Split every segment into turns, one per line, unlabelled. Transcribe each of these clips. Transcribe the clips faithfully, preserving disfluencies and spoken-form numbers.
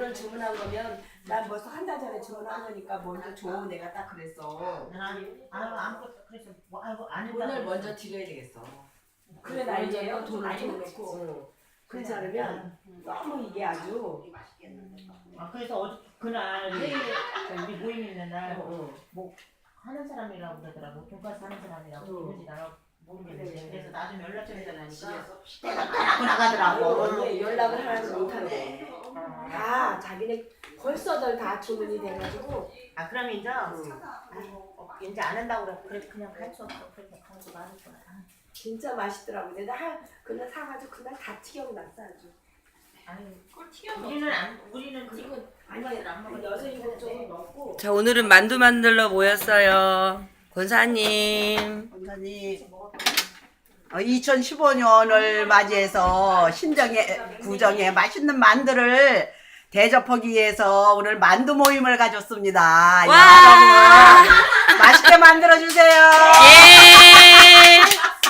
오늘 주문한 거면 난 벌써 한 달 전에 주문한 거니까 먼저 줘. 내가 딱 그랬어.
난 아무것도 그래서 뭐 아이고 안
오늘
했다고
먼저 드려야 되겠어.
그래
난리예요.
난리예요.
돈을
많이
좀
넣지.
넣고. 응. 그렇지 않으면 너무 이게 아주.
아 그래서 어제 그날 회의 우리 모임 있는 날
어,
뭐 하는 사람이라고 그러더라고. 돈가스 하는 사람이라고
응.
누군지 나가 모르겠는데
그래.
그래서 나중에 연락처를 달라니까
집에서.
내가 나가고 나가더라고.
원래 연락을 하나도 못하네. 다 자기네 벌써들 다 주문이 돼가지고.
아 그럼 이제
응.
아이고 이제 안 한다고 그래. 그래 그냥 갈 수 없어. 그래서 가서 많을 거야.
진짜 맛있더라고. 내가 한 그날 사가지고 그날 다 튀겨놨어 아주.
아유 그걸 튀겨 우리는 안 우리는 지금
아니
안 먹어.
여섯 일곱 쪽을 먹고.
자, 오늘은 만두 만들러 모였어요. 권사님.
원사님, 어, 이천십오 년을 맞이해서 신정의 구정에 맛있는 만두를 대접하기 위해서 오늘 만두 모임을 가졌습니다.
와!
여러분 맛있게 만들어 주세요.
예!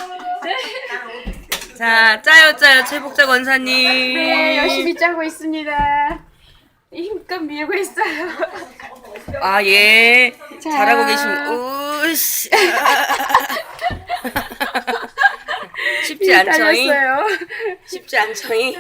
자, 짜요, 짜요, 최복자 권사님.
네, 열심히 짜고 있습니다. 힘껏 밀고 있어요.
아, 예.
자.
잘하고 계십니다. 우씨. 쉽지 않죠잉?
달렸어요.
쉽지 않죠잉?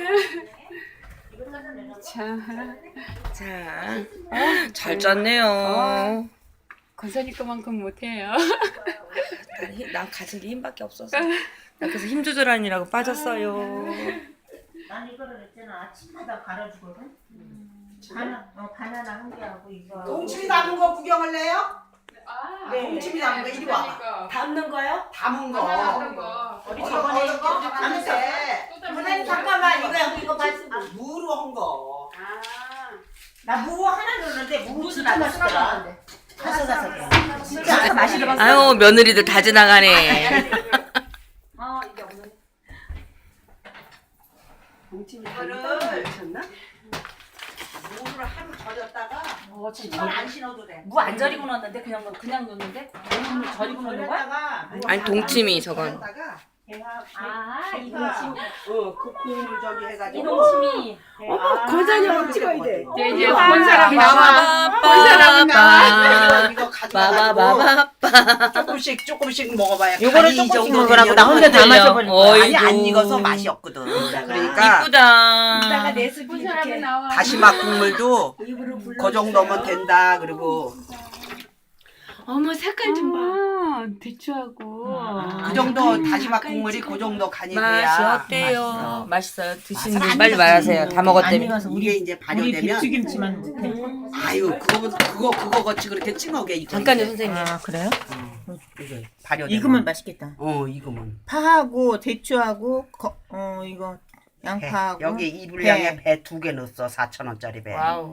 자,
자, 잘 짰네요.
권사님 것만큼 못해요.
난, 힘- 난 가진 게 힘밖에 없어서. 나 그래서 힘 조절하느라고 빠졌어요.
난 이거를 했잖아. 아침마다 갈아주거든. 바나 어 바나나 한 개하고 이거.
동치미 담은 거 구경을 해요?
아,
네, 동치미 담은 거 이리 와봐.
담는 거요?
담은 거.
거.
우리
어디
저번에
어디 거? 담는데.
선생님 잠깐만 이거 이거 말씀.
무로 한 거.
나무 하나 넣었는데 무 진짜 맛있더라. 아삭아삭해. 진짜 맛이 들었어.
아유, 며느리들 다 지나가네.
어 이게 없는.
동치미
이거를-
담는 미쳤나?
무를 하루 절였다가
어
신발 안 신어도 돼.
무 안 절이고 넣었는데 그냥 넣- 그냥 넣었는데 무 절이고 넣는 거야?
절였다가
아니, 동치미 저건.
절였다가 걔가
아
걔가
이거 지금
어, 그 국물 저기 해가지고
이동심이.
어머, 권사님하고 찍어야 돼.
네, 이제
아,
본 사람이
아,
나와.
빠바바바.
이거 가져가지고
바바바바바.
조금씩 조금씩 먹어봐야
요거를
간이 이
조금씩
정도
먹으라고 나
되면은
혼자 다 마셔버린 거야.
어이.
아니 안
아이고.
익어서 맛이 없거든. 그러니까
이따가
이쁘다.
내 습이
본 사람이
이렇게
나와.
다시마 국물도
입으로 불러.
그 정도면 된다. 그리고
어머, 색깔 좀 봐. 아, 대추하고.
그 정도 다시마 국물이 그 정도 간이
맛이
돼야
어때요?
맛있어.
맛있어요. 드시는
맛은
분 빨리
안
말하세요.
익었지.
다 먹었다며.
이게 이제 발효되면
김치만 넣대.
아유 그거 그거 그거 같이 그렇게 찡하게 이거
잠깐요,
이제.
선생님.
아 그래요?
이게 발효되면
익으면 맛있겠다.
어 익으면
파하고 대추하고 거, 어 이거
배.
양파하고
여기 이 분량에
배.
배 두 개 넣었어. 사천 원짜리 배.
와우.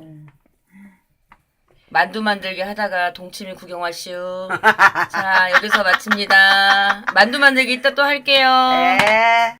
만두 만들기 하다가 동치미 구경하시오. 자, 여기서 마칩니다. 만두 만들기 이따 또 할게요.
네.